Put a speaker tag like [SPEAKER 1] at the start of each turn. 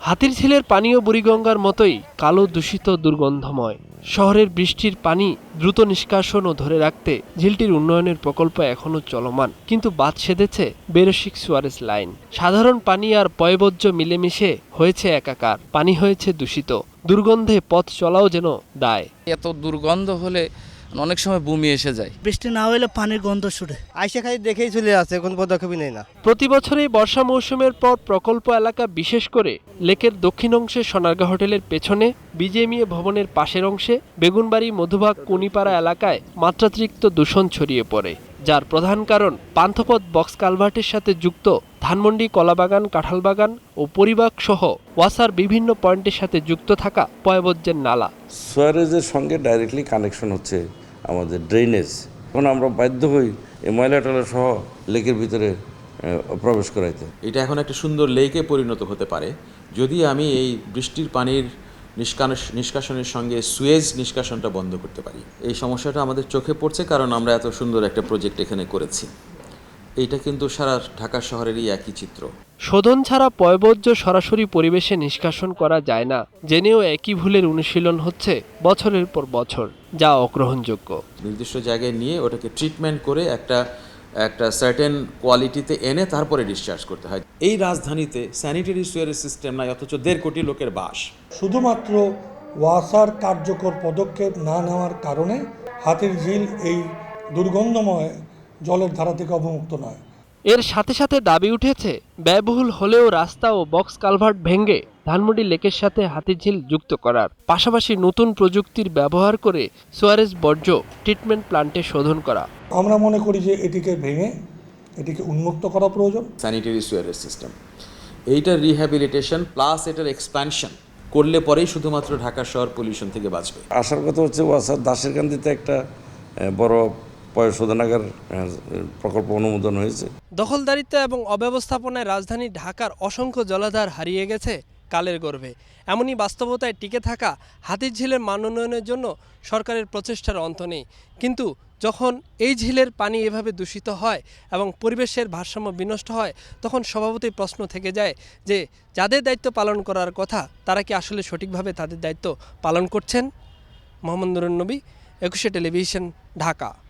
[SPEAKER 1] হাতিরঝিলের পানীয় বুড়িগঙ্গার মতোই কালো দূষিত দুর্গন্ধময়। শহরের বৃষ্টির পানি দ্রুত নিষ্কাশন ও ধরে রাখতে ঝিলটির উন্নয়নের প্রকল্প এখনও চলমান, কিন্তু বাদ সেধেছে বেরসিক সুয়ারেজ লাইন। সাধারণ পানি আর পয়ঃবর্জ্য মিলেমিশে হয়েছে একাকার, পানি হয়েছে দূষিত, দুর্গন্ধে পথ চলাও যেন দায়।
[SPEAKER 2] এত দুর্গন্ধ হলে অনেক সময় বমি এসে যায়।
[SPEAKER 3] বৃষ্টি না হলে পানির গন্ধ ছুটে,
[SPEAKER 4] আইসে খালি দেখেই চলে আসছে, কোনো পদক্ষেপই নেই না।
[SPEAKER 1] প্রতি বছরই বর্ষা মৌসুমের পর প্রকল্প এলাকা, বিশেষ করে লেকের দক্ষিণ অংশে সোনারগাঁ হোটেলের পেছনে, বিজেএমইএ ভবনের পাশের অংশে, বেগুনবাড়ি, মধুবাগ, কুনিপাড়া এলাকায় মাত্রাতিরিক্ত দূষণ ছড়িয়ে পড়ে, যার প্রধান কারণ পান্থপথ বক্স কালভার্টের সাথে যুক্ত ধানমন্ডি, কলাবাগান, কাঁঠালবাগান ও পরিবাগ সহ ওয়াসার বিভিন্ন পয়েন্টের সাথে যুক্ত থাকা পয়ঃবর্জ্যের নালা।
[SPEAKER 5] সুয়ারেজের সঙ্গে ডাইরেক্টলি কানেকশন হচ্ছে আমাদের ড্রেনেজ। এখন আমরা বাধ্য হই এই ময়লা টয়লা সহ লেকের ভিতরে প্রবেশ করাইতে।
[SPEAKER 6] এটা এখন একটা সুন্দর লেকে পরিণত হতে পারে যদি আমি এই বৃষ্টির পানির নিষ্কাশনের সঙ্গে সুয়েজ নিষ্কাশনটা বন্ধ করতে পারি। এই সমস্যাটা আমাদের চোখে পড়ছে কারণ আমরা এত সুন্দর একটা প্রজেক্ট এখানে করেছি। এইটা কিন্তু সারা ঢাকা শহরেরই একই চিত্র।
[SPEAKER 1] শোধন ছাড়া পয়ঃবর্জ্য সরাসরি পরিবেশে নিষ্কাশন করা যায় না জেনেও একই ভুলের অনুশীলন হচ্ছে বছরের পর বছর, যা অগ্রহণযোগ্য।
[SPEAKER 6] নির্দিষ্ট জায়গায় নিয়ে ওটাকে ট্রিটমেন্ট করে একটা সার্টেন কোয়ালিটিতে এনে তারপরে ডিসচার্জ করতে হয়। এই রাজধানীতে স্যানিটারি সুয়ারেজ সিস্টেম নাই, অথচ 1.5 কোটি লোকের বাস।
[SPEAKER 7] শুধুমাত্র ওয়াসার কার্যকর পদক্ষেপ না নেওয়ার কারণে হাতিরঝিল এই দুর্গন্ধময় জলের ধারা থেকে অবমুক্ত নয়।
[SPEAKER 1] এর সাথে সাথে দাবি উঠেছে, ব্যয়বহুল হলেও রাস্তা ও বক্স কালভার্ট ভেঙে ধানমন্ডি লেকের সাথে হাতিরঝিল যুক্ত করার পাশাপাশি নতুন প্রযুক্তির ব্যবহার করে সুয়ারেজ বর্জ্য ট্রিটমেন্ট প্ল্যান্টে শোধন করা।
[SPEAKER 7] আমরা মনে করি যে এটিকে ভেঙে এটিকে উন্মুক্ত করা প্রয়োজন।
[SPEAKER 6] স্যানিটারি সুয়ারেজ সিস্টেম এইটার রিহ্যাবিলিটেশন প্লাস এটার এক্সপ্যানশন করলে পরেই শুধুমাত্র ঢাকা শহর পলিউশন থেকে বাঁচবে।
[SPEAKER 5] আসার কথা হচ্ছে ওয়াসার দাসেরকান্দিতে একটা বড় পয়ঃশোধনাগার প্রকল্প অনুমোদন হয়েছে।
[SPEAKER 1] দখলদারিত্ব এবং অব্যবস্থাপনায় রাজধানী ঢাকার অসংখ্য জলাধার হারিয়ে গেছে কালের গর্ভে। এমনই বাস্তবতায় টিকে থাকা হাতিরঝিলের মান উন্নয়নের জন্য সরকারের প্রচেষ্টার অন্ত নেই, কিন্তু যখন এই ঝিলের পানি এভাবে দূষিত হয় এবং পরিবেশের ভারসাম্য বিনষ্ট হয়, তখন স্বভাবতই প্রশ্ন থেকে যায় যে যাদের দায়িত্ব পালন করার কথা তারা কি আসলে সঠিকভাবে তাদের দায়িত্ব পালন করছেন? মোহাম্মদ নুরুন নবী, 21 টেলিভিশন, ঢাকা।